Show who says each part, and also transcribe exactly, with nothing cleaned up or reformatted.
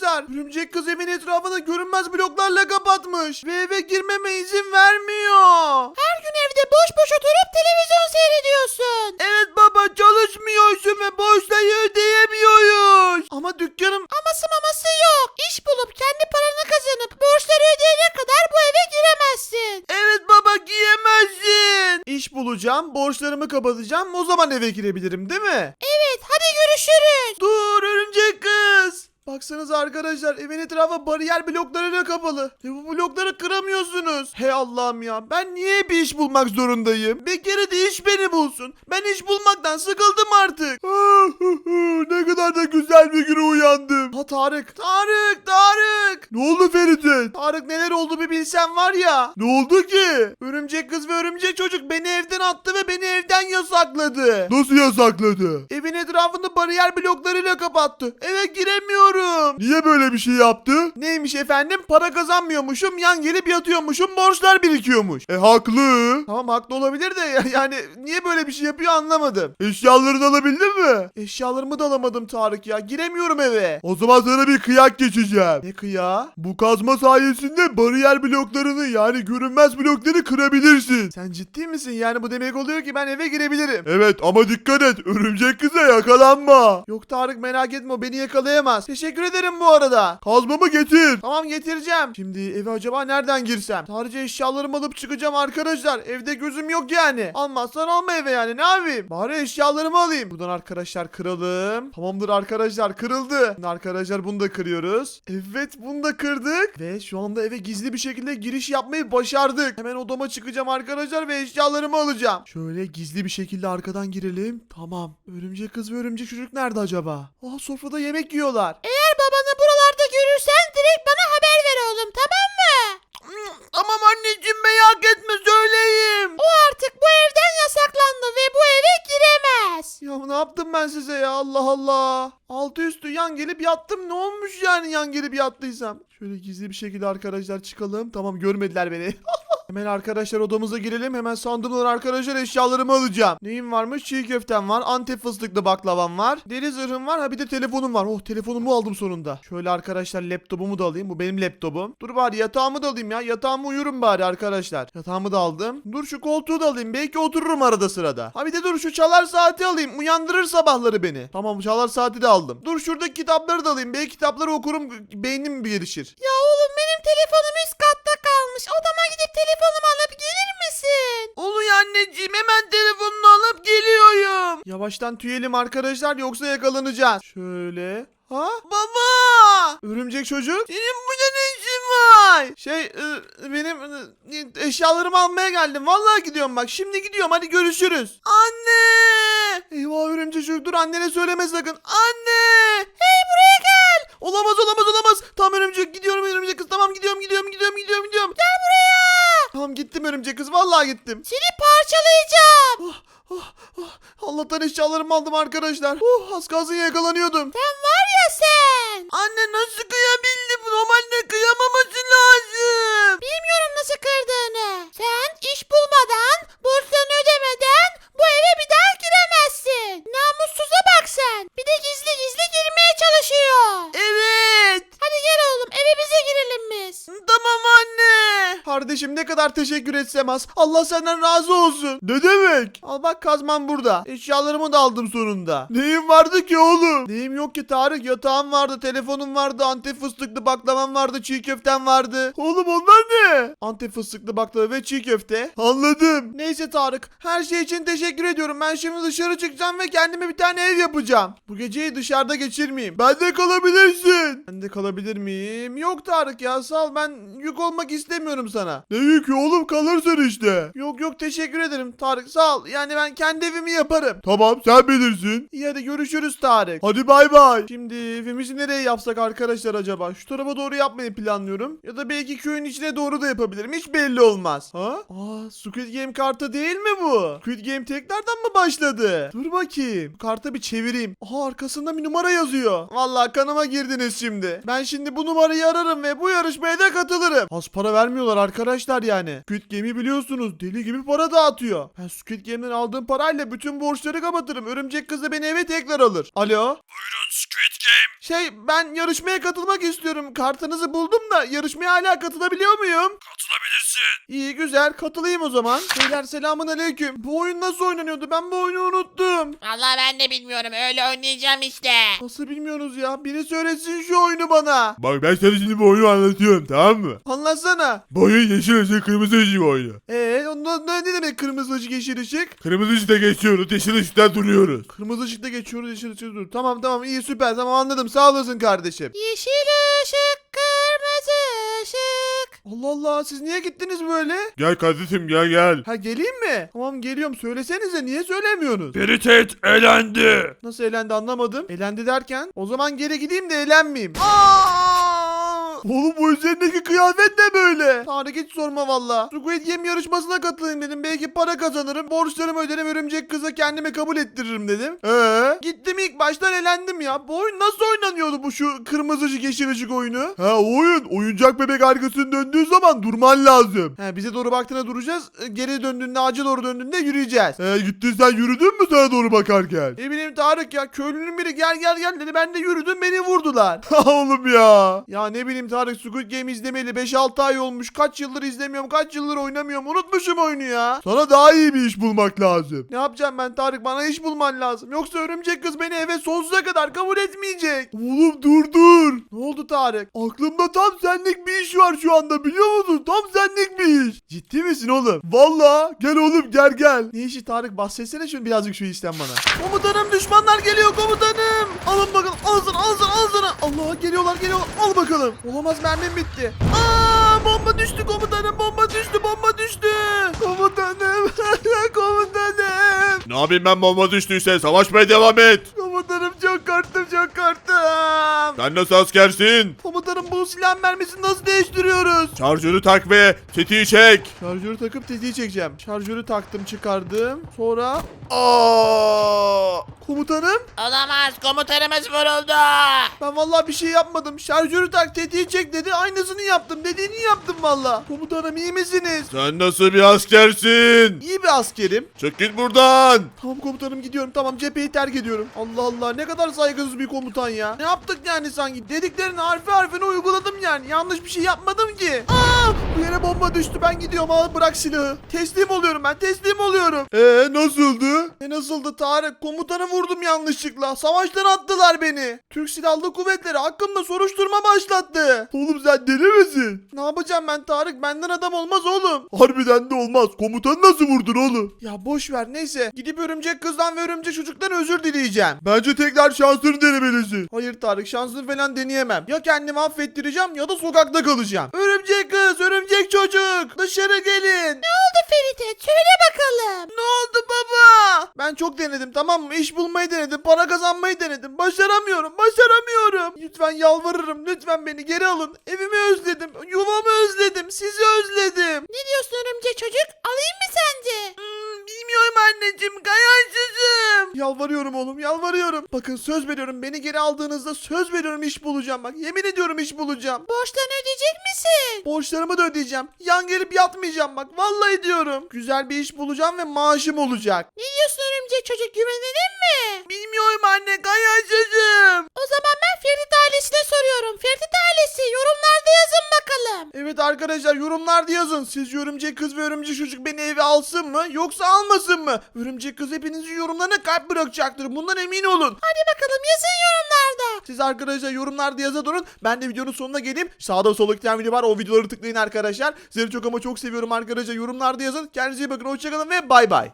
Speaker 1: arkadaşlar. Örümcek kız evin etrafını görünmez bloklarla kapatmış. Ve eve girmeme izin vermiyor.
Speaker 2: Her gün evde boş boş oturup televizyon seyrediyorsun.
Speaker 1: Evet baba, çalışmıyorsun ve borçları ödeyemiyoruz. Ama dükkanım...
Speaker 2: Aması maması yok. İş bulup kendi paranı kazanıp borçları ödeyene kadar bu eve giremezsin.
Speaker 1: Evet baba, giyemezsin. İş bulacağım, borçlarımı kapatacağım, o zaman eve girebilirim değil mi?
Speaker 2: Evet, hadi görüşürüz.
Speaker 1: Dur örümcek kız. Baksanıza arkadaşlar, evin etrafı bariyer bloklarıyla kapalı. Ve bu blokları kıramıyorsunuz. Hey Allah'ım ya, ben niye bir iş bulmak zorundayım? Bir kere de iş beni bulsun. Ben iş bulmaktan sıkıldım artık. Ne kadar da güzel bir güne uyandım. Ha Tarık. Tarık, Tarık. Ne oldu Ferit'e? Tarık, neler oldu bir bilsen var ya. Ne oldu ki? Örümcek kız ve örümcek çocuk beni evden attı ve beni evden yasakladı. Nasıl yasakladı? Evin etrafını bariyer bloklarıyla kapattı. Eve giremiyorum. Niye böyle bir şey yaptı? Neymiş efendim? Para kazanmıyormuşum, yan gelip yatıyormuşum, borçlar birikiyormuş. E haklı. Tamam, haklı olabilir de ya- yani niye böyle bir şey yapıyor anlamadım. Eşyalarını alabildin mi? Eşyalarımı da alamadım Tarık ya. Giremiyorum eve. O zaman sana bir kıyak geçeceğim. Ne kıyağı? Bu kazma sayesinde bariyer bloklarını, yani görünmez blokları kırabilirsin. Sen ciddi misin? Yani bu demek oluyor ki ben eve girebilirim. Evet ama dikkat et. Örümcek kıza yakalanma. Yok Tarık, merak etme, o beni yakalayamaz. Teşekkür ederim bu arada. Kazmamı getir. Tamam, getireceğim. Şimdi eve acaba nereden girsem? Sadece eşyalarımı alıp çıkacağım arkadaşlar. Evde gözüm yok yani. Almazsan alma eve, yani ne yapayım? Bari eşyalarımı alayım. Buradan arkadaşlar kıralım. Tamamdır arkadaşlar, kırıldı. Şimdi arkadaşlar bunu da kırıyoruz. Evet, bunu da kırdık. Ve şu anda eve gizli bir şekilde giriş yapmayı başardık. Hemen odama çıkacağım arkadaşlar ve eşyalarımı alacağım. Şöyle gizli bir şekilde arkadan girelim. Tamam. Örümcek kız ve örümcek çocuk nerede acaba? Aa, sofrada yemek yiyorlar.
Speaker 2: Eğer babanı buralarda görürsen direkt bana haber ver oğlum, tamam mı?
Speaker 1: Tamam anneciğim, merak etme, söyleyeyim.
Speaker 2: O artık bu evden yasaklandı ve bu eve giremez.
Speaker 1: Ya ne yaptım ben size ya, Allah Allah. Altı üstü yan gelip yattım, ne olmuş yani yan gelip yattıysam. Şöyle gizli bir şekilde arkadaşlar çıkalım. Tamam, görmediler beni. Hemen arkadaşlar odamıza girelim. Hemen sandığımdan arkadaşlar eşyalarımı alacağım. Neyim varmış? Çiğ köftem var. Antep fıstıklı baklavam var. Deri zırhım var. Ha bir de telefonum var. Oh, telefonumu aldım sonunda. Şöyle arkadaşlar laptopumu da alayım. Bu benim laptopum. Dur bari yatağımı da alayım ya. Yatağımı uyurum bari arkadaşlar. Yatağımı da aldım. Dur şu koltuğu da alayım. Belki otururum arada sırada. Ha bir de dur şu çalar saati alayım. Uyandırır sabahları beni. Tamam, çalar saati de aldım. Dur şuradaki kitapları da alayım. Belki kitapları okurum. Beynim bir gelişir.
Speaker 2: Ya oğlum, benim telefonum üst katta kalmış. Odama gidip telefonumu alıp gelir misin?
Speaker 1: Oluyor anneciğim, hemen telefonunu alıp geliyorum. Yavaştan tüyelim arkadaşlar, yoksa yakalanacağız. Şöyle. Ha? Baba! Örümcek çocuk. Senin burada ne işin var? Şey e, benim e, eşyalarımı almaya geldim. Vallahi gidiyorum bak. Şimdi gidiyorum, hadi görüşürüz. Anne! Eyvah, örümcek çocuk, dur annene söyleme sakın. Anne!
Speaker 2: Hey, buraya gel.
Speaker 1: Olamaz olamaz olamaz. Tamam örümcek, gidiyorum örümcek kız. Tamam, gidiyorum gidiyorum gidiyorum gidiyorum gidiyorum.
Speaker 2: Gel buraya.
Speaker 1: Tamam, gittim örümcek kız. Vallahi gittim.
Speaker 2: Seni parçalayacağım.
Speaker 1: Oh, oh, oh. Allah'tan eşyalarımı aldım arkadaşlar. Oh, az kalsın yakalanıyordum.
Speaker 2: Sen var ya sen.
Speaker 1: Anne nasıl kıyabildim? Normalde kıyamaması lazım.
Speaker 2: Bilmiyorum nasıl kırdığını. Sen iş bulmadan, borçlarını ödemeden bu eve bir daha giremezsin. Namussuza bak sen. Bir de gizli gizli girmeye çalışıyor.
Speaker 1: Evet.
Speaker 2: Hadi gel oğlum, eve bize girelim biz.
Speaker 1: Tamam anne. Kardeşim, ne kadar teşekkür etsem az. Allah senden razı olsun. Ne demek? Al bak, kazmam burada. Eşyalarımı da aldım sonunda. Neyim vardı ki oğlum? Neyim yok ki Tarık? Yatağım vardı, telefonum vardı, Antep fıstıklı baklavam vardı, çiğ köftem vardı. Oğlum onlar ne? Antep fıstıklı baklava ve çiğ köfte. Anladım. Neyse Tarık, her şey için teşekkür ediyorum. Ben şimdi dışarı çıkacağım ve kendime bir tane ev yapacağım. Bu geceyi dışarıda geçirmeyeyim. Ben de kalabilirsin. Ben de kalabilir miyim? Yok Tarık ya, sağ ol, ben yük olmak istemiyorum sana. Ne yükü oğlum, kalırsın işte. Yok yok, teşekkür ederim Tarık, sağ ol. Yani ben kendi evimi yaparım. Tamam, sen bilirsin. İyi, hadi görüşürüz Tarık. Hadi bay bay. Şimdi evimizi nereye yapsak arkadaşlar acaba? Şu tarafa doğru yapmayı planlıyorum. Ya da belki köyün içine doğru da yapabilirim. Hiç belli olmaz. Ha? Aa, Squid Game kartı değil mi bu? Squid Game tekrardan mı başladı? Dur bakayım. Kartı bir çevireyim. Aha, arkasında bir numara yazıyor. Vallahi kanıma girdiniz şimdi. Ben şimdi bu numarayı ararım ve bu yarışmaya da katılırım. Az para vermiyorlar arkadaşlar. arkadaşlar yani. Squid Game'i biliyorsunuz deli gibi para dağıtıyor. Ben Squid Game'den aldığım parayla bütün borçları kapatırım. Örümcek kız da beni eve tekrar alır. Alo?
Speaker 3: Buyurun Squid Game.
Speaker 1: Şey ben yarışmaya katılmak istiyorum. Kartınızı buldum da yarışmaya hala katılabiliyor muyum?
Speaker 3: Katılabilirsin.
Speaker 1: İyi güzel katılayım o zaman. Beyler selamun aleyküm. Bu oyun nasıl oynanıyordu? Ben bu oyunu unuttum.
Speaker 2: Vallahi ben de bilmiyorum. Öyle oynayacağım işte.
Speaker 1: Nasıl bilmiyorsunuz ya? Biri söylesin şu oyunu bana.
Speaker 3: Bak ben sana şimdi bu oyunu anlatıyorum, tamam mı?
Speaker 1: Anlatsana.
Speaker 3: Bu oyun yeşil ışık kırmızı ışık oyunu.
Speaker 1: Eee ondan ne ne demek kırmızı ışık yeşil ışık?
Speaker 3: Kırmızı ışıkta geçiyoruz, yeşil ışıkta duruyoruz.
Speaker 1: Kırmızı ışıkta geçiyoruz yeşil ışık dur. Tamam tamam iyi süper tamam anladım sağ olasın kardeşim.
Speaker 2: Yeşil ışık, kırmızı ışık.
Speaker 1: Allah Allah siz niye gittiniz böyle?
Speaker 3: Gel kardeşim gel gel.
Speaker 1: Ha geleyim mi? Tamam geliyorum söylesenize niye söylemiyorsunuz?
Speaker 3: Peritet elendi.
Speaker 1: Nasıl elendi anlamadım. Elendi derken o zaman geri gideyim de elenmeyeyim. Aa! Oğlum bu üzerindeki kıyafet ne böyle? Tarık hiç sorma valla. Squid Game yarışmasına katılayım dedim. Belki para kazanırım. Borçlarımı öderim. Örümcek kıza kendimi kabul ettiririm dedim. Ee? Gittim ilk baştan elendim ya. Bu oyun nasıl oynanıyordu bu şu kırmızı ışık yeşil ışık oyunu? Ha oyun. Oyuncak bebek arkasını döndüğü zaman durman lazım. He bize doğru baktığında duracağız. E, Geri döndüğünde ağaca doğru döndüğünde yürüyeceğiz. He gittin sen yürüdün mü sana doğru bakarken? Ne bileyim Tarık ya. Köylünün biri gel gel gel dedi. Ben de yürüdüm beni vurdular. Ha oğlum ya. Ya ne bileyim Tarık Squid Game izlemeli beş altı ay olmuş. Kaç yıldır izlemiyorum. Kaç yıldır oynamıyorum. Unutmuşum oyunu ya. Sana daha iyi bir iş bulmak lazım. Ne yapacağım ben Tarık? Bana iş bulman lazım. Yoksa örümcek kız beni eve sonsuza kadar kabul etmeyecek. Oğlum dur dur. Ne oldu Tarık? Aklımda tam senlik bir iş var şu anda biliyor musun? Tam senlik bir iş. Ciddi misin oğlum? Valla. Gel oğlum gel gel. Ne işi Tarık? Bahsetsene şimdi birazcık şu işten bana. Komutanım düşmanlar geliyor komutanım. Alın bakalım. Al sana al sana al sana. Allah geliyorlar geliyorlar. Al bakalım. Olamaz mermim bitti. Aa bomba düştü komutanım. Bomba düştü bomba düştü. Komutanım. Komutanım.
Speaker 3: Ne yapayım ben bomba düştüyse savaşmaya devam et.
Speaker 1: Komutanım çok korktum çok korktum.
Speaker 3: Sen nasıl askersin?
Speaker 1: Komutanım bu silah mermisini nasıl değiştiriyoruz?
Speaker 3: Şarjörü tak ve tetiği çek.
Speaker 1: Şarjörü takıp tetiği çekeceğim. Şarjörü taktım çıkardım. Sonra... Aa! Komutanım
Speaker 2: Olamaz. Komutanımız vuruldu.
Speaker 1: ben vallahi bir şey yapmadım. Şarjörü tak tetiği çek dedi. Aynısını yaptım. Dediğini yaptım vallahi. Komutanım iyi misiniz?
Speaker 3: Sen nasıl bir askersin?
Speaker 1: İyi bir askerim.
Speaker 3: Çık git buradan.
Speaker 1: Tamam komutanım gidiyorum. Tamam cepheyi terk ediyorum. Allah Allah ne kadar saygısız bir komutan ya. Ne yaptık yani sanki? Dediklerini harfi harfine uyguladım yani. Yanlış bir şey yapmadım ki. Aa! Bu yere bomba düştü. Ben gidiyorum. Al bırak silahı. Teslim oluyorum ben. Teslim oluyorum.
Speaker 3: Ee nasıldı?
Speaker 1: E nasıldı Tarık? Komutanı vurdum yanlışlıkla. Savaştan attılar beni. Türk Silahlı Kuvvetleri hakkımda soruşturma başlattı.
Speaker 3: Oğlum sen deli misin?
Speaker 1: Ne yapacağım ben Tarık? Benden adam olmaz oğlum.
Speaker 3: Harbiden de olmaz. Komutanı nasıl vurdun oğlum?
Speaker 1: Ya boş ver neyse. Gidip örümcek kızdan ve örümcek çocuktan özür dileyeceğim.
Speaker 3: Bence tekrar şansını denemelisin.
Speaker 1: Hayır Tarık şansını falan deneyemem. Ya kendimi affettireceğim ya da sokakta kalacağım. Örümcek kız, örümcek çocuk dışarı gelin.
Speaker 2: Ne oldu Feride? Söyle bakalım.
Speaker 1: Ne oldu baba? Ben çok denedim tamam mı? İş bulmayı denedim, para kazanmayı denedim. Başaramıyorum, başaramıyorum. Lütfen yalvarırım, lütfen beni geri alın. Evimi özledim, yuvamı özledim, sizi özledim.
Speaker 2: Ne diyorsun örümcek çocuk? Alayım mı sence?
Speaker 1: Hmm, bilmiyorum anneciğim, kayarsızım. Yalvarıyorum oğlum, yalvarıyorum. Bakın söz veriyorum, beni geri aldığınızda söz veriyorum iş bulacağım bak. Yemin ediyorum iş bulacağım.
Speaker 2: Borçlarını ödeyecek misin?
Speaker 1: Borçlarımı da ödeyeceğim. Yan gelip yatmayacağım bak. Vallahi diyorum. Güzel bir iş bulacağım ve maaşım olacak.
Speaker 2: Ne diyorsun örümcek çocuk? Güvenelim mi?
Speaker 1: Bilmiyorum anne, kayarsızım.
Speaker 2: O zaman ben Ferit ailesine soruyorum. Ferit ailesi yorumlarda yazın bakalım.
Speaker 1: Evet arkadaşlar yorumlarda yazın. Siz örümcek kız ve örümcek çocuk beni eve alsın mı yoksa almasın mı? Örümcek kız hepinizin yorumlarına kalp bırakacaktır. Bundan emin olun.
Speaker 2: Hadi bakalım yazın yorumlarda.
Speaker 1: Siz arkadaşlar yorumlarda yaza durun. Ben de videonun sonuna geleyim. Sağda solda iki tane video var. O videoları tıklayın arkadaşlar. Sizleri çok ama çok seviyorum arkadaşlar. Yorumlarda yazın. Kendinize iyi bakın. Hoşçakalın ve bay bay.